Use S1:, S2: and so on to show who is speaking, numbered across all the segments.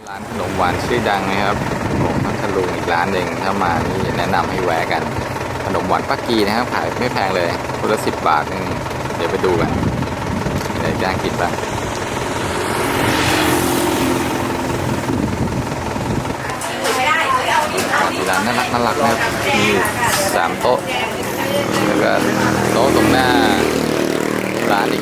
S1: ร้านขนมหวานชื่อดังนะครับของพัทลุงอีกร้านหนึ่งถ้ามานี่แนะนำให้แวะกันขนมหวานป้ากีนะครับขายไม่แพงเลยคนละ10 บาทนึงเดี๋ยวไปดูกันเดี๋ยวย่างกินบ้างร้านน่ารักนะครับมี3 โต๊ะแล้วก็โต๊ะตรงหน้าร้านอีก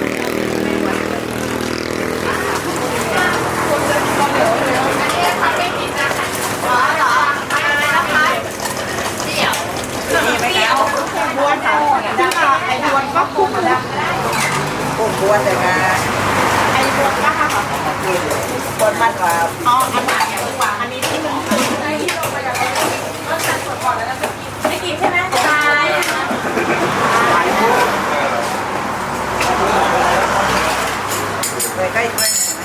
S2: บ้วนค่ะไอ้บ้วนก็คุ้มแล้วบ้วนแต่งานไอ้บ้วนก็ค่ะบ้วนมันกว่าอ๋ออันไหนดีกว่าอันนี้ที่มันที่ลงมาจากรถคันสดก่อนแล้วเราไม่กินใช่ไหมใช่เลยใกล้ด้วย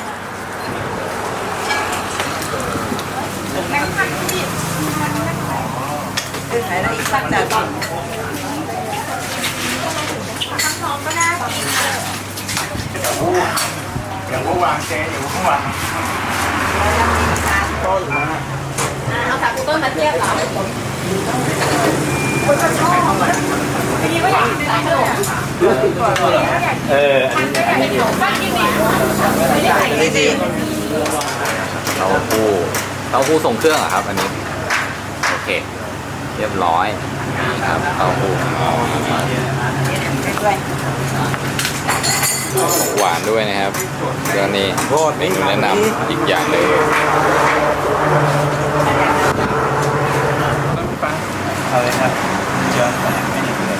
S2: ไหมซึ่งไหนแล้วอีกสักจาน
S3: อย่างว่าวางเจ๊อย่างว่าวาง
S2: เอาจากต้นมาเทียบเหรอคนชอบทีนี้ก็อยากกินขนมอันนี้อยากกินขนมบ้างกินดิไม่ได้ใส่ดี
S1: เต้าหู้ทรงเครื่องเหรอครับอันนี้โอเคเรียบร้อยนี่ครับเต้าหู้หวานด้วยนะครับเรื่องนี้เมนูแนะนำอีกอย่างเลย
S3: เอาเลยครับเยอะแต่ไม่ได้เลย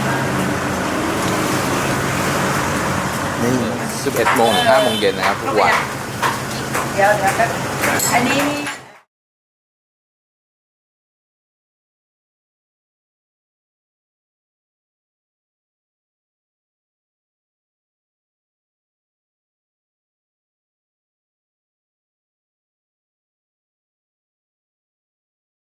S1: นี่11 โมงถึง 5 โมงเย็นนะครับทุกวัน
S2: เดี๋ยวอันนี้